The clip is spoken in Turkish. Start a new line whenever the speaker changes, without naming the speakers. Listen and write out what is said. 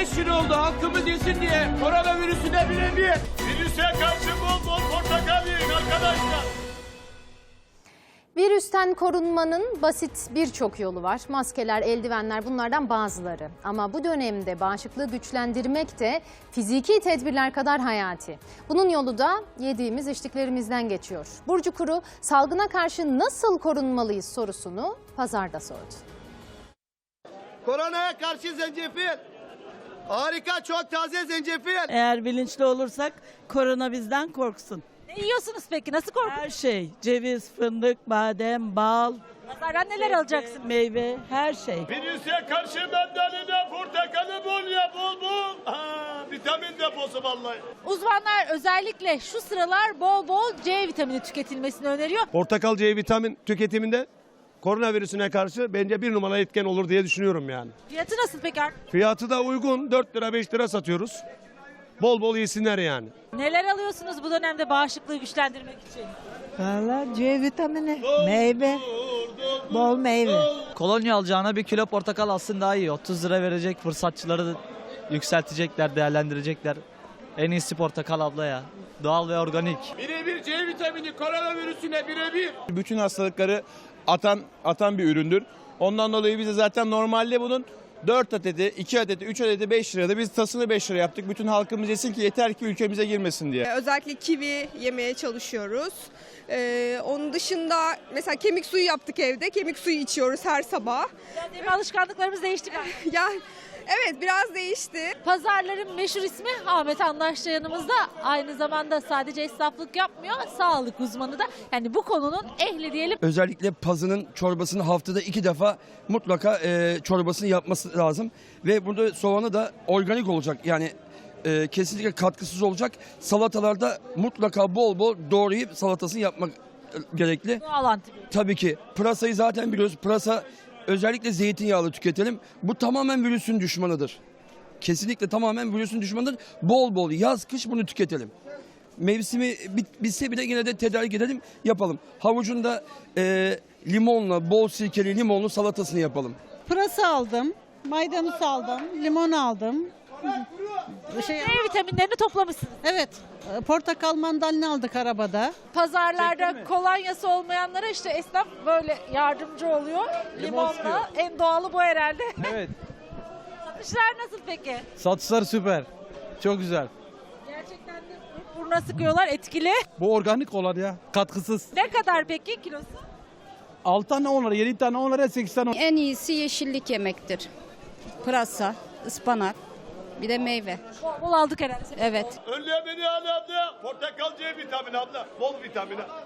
5 yıl oldu halkımız yesin diye koronavirüsüne birebir.
Virüse karşı bol bol portakal yiyin arkadaşlar.
Virüsten korunmanın basit birçok yolu var. Maskeler, eldivenler bunlardan bazıları. Ama bu dönemde bağışıklığı güçlendirmek de fiziki tedbirler kadar hayati. Bunun yolu da yediğimiz içtiklerimizden geçiyor. Burcu Kuru salgına karşı nasıl korunmalıyız sorusunu pazarda sordu.
Koronaya karşı zencefil. Harika, çok taze zencefil.
Eğer bilinçli olursak korona bizden korksun.
Ne yiyorsunuz peki? Nasıl korkuyorsunuz?
Her şey, ceviz, fındık, badem, bal,
Pazardan neler alacaksınız?
meyve, her şey.
Virüse karşı mandalina portakalı bol ya bol bol. Vitamin deposu vallahi.
Uzmanlar özellikle şu sıralar bol bol C vitamini tüketilmesini öneriyor.
Portakal C vitamin tüketiminde koronavirüsüne karşı bence bir numaralı etken olur diye düşünüyorum yani.
Fiyatı nasıl peki?
Fiyatı da uygun, 4 lira 5 lira satıyoruz. Bol bol yesinler yani.
Neler alıyorsunuz bu dönemde bağışıklığı güçlendirmek için?
Valla C vitamini, meyve, bol meyve.
Kolonya alacağına bir kilo portakal alsın daha iyi. 30 lira verecek, fırsatçıları da yükseltecekler, değerlendirecekler. En iyisi portakal abla ya. Doğal ve organik.
Birebir C vitamini koronavirüsüne birebir.
Bütün hastalıkları atan bir üründür. Ondan dolayı bize zaten normalde bunun 4 adeti, 2 adeti, 3 adeti 5 lirada biz tasını 5 lira yaptık. Bütün halkımız yesin ki yeter ki ülkemize girmesin diye.
Özellikle kivi yemeye çalışıyoruz. Onun dışında mesela kemik suyu yaptık evde. Kemik suyu içiyoruz her sabah.
Yani alışkanlıklarımız değişti galiba.
Yani evet, biraz değişti.
Pazarların meşhur ismi Ahmet Anlaşça yanımızda. Aynı zamanda sadece esnaflık yapmıyor, sağlık uzmanı da. Yani bu konunun ehli diyelim.
Özellikle pazının çorbasını haftada 2 defa mutlaka çorbasını yapması lazım. Ve burada soğanı da organik olacak. Yani kesinlikle katkısız olacak. Salatalarda mutlaka bol bol doğrayıp salatasını yapmak gerekli.
Doğal antibiyotik.
Tabii ki pırasayı zaten biliyoruz. Pırasa özellikle zeytinyağlı tüketelim. Bu tamamen virüsün düşmanıdır. Kesinlikle tamamen virüsün düşmanıdır. Bol bol yaz kış bunu tüketelim. Mevsimi bitse bile yine de tedarik edelim, yapalım. Havucunda limonla, bol sirkeli limonlu salatasını yapalım.
Pırasa aldım, maydanoz aldım, limon aldım.
C vitaminlerini toplamışsınız.
Evet, portakal mandalina aldık arabada.
Pazarlarda kolonyası olmayanlara işte esnaf böyle yardımcı oluyor. Limonla en doğalı bu herhalde.
Evet.
Satışlar nasıl peki?
Satışlar süper. Çok güzel.
Gerçekten de buruna sıkıyorlar, etkili.
Bu organik olan ya, katkısız.
Ne kadar peki kilosu?
6 tane 10 lira, 7 tane 10 lira, 8 tane 10 lira.
En iyisi yeşillik yemektir. Pırasa, ıspanak, bir de meyve.
Bol aldık herhalde.
Evet.
Önlemini al abla. Portakal C vitamini abla. Bol vitamini.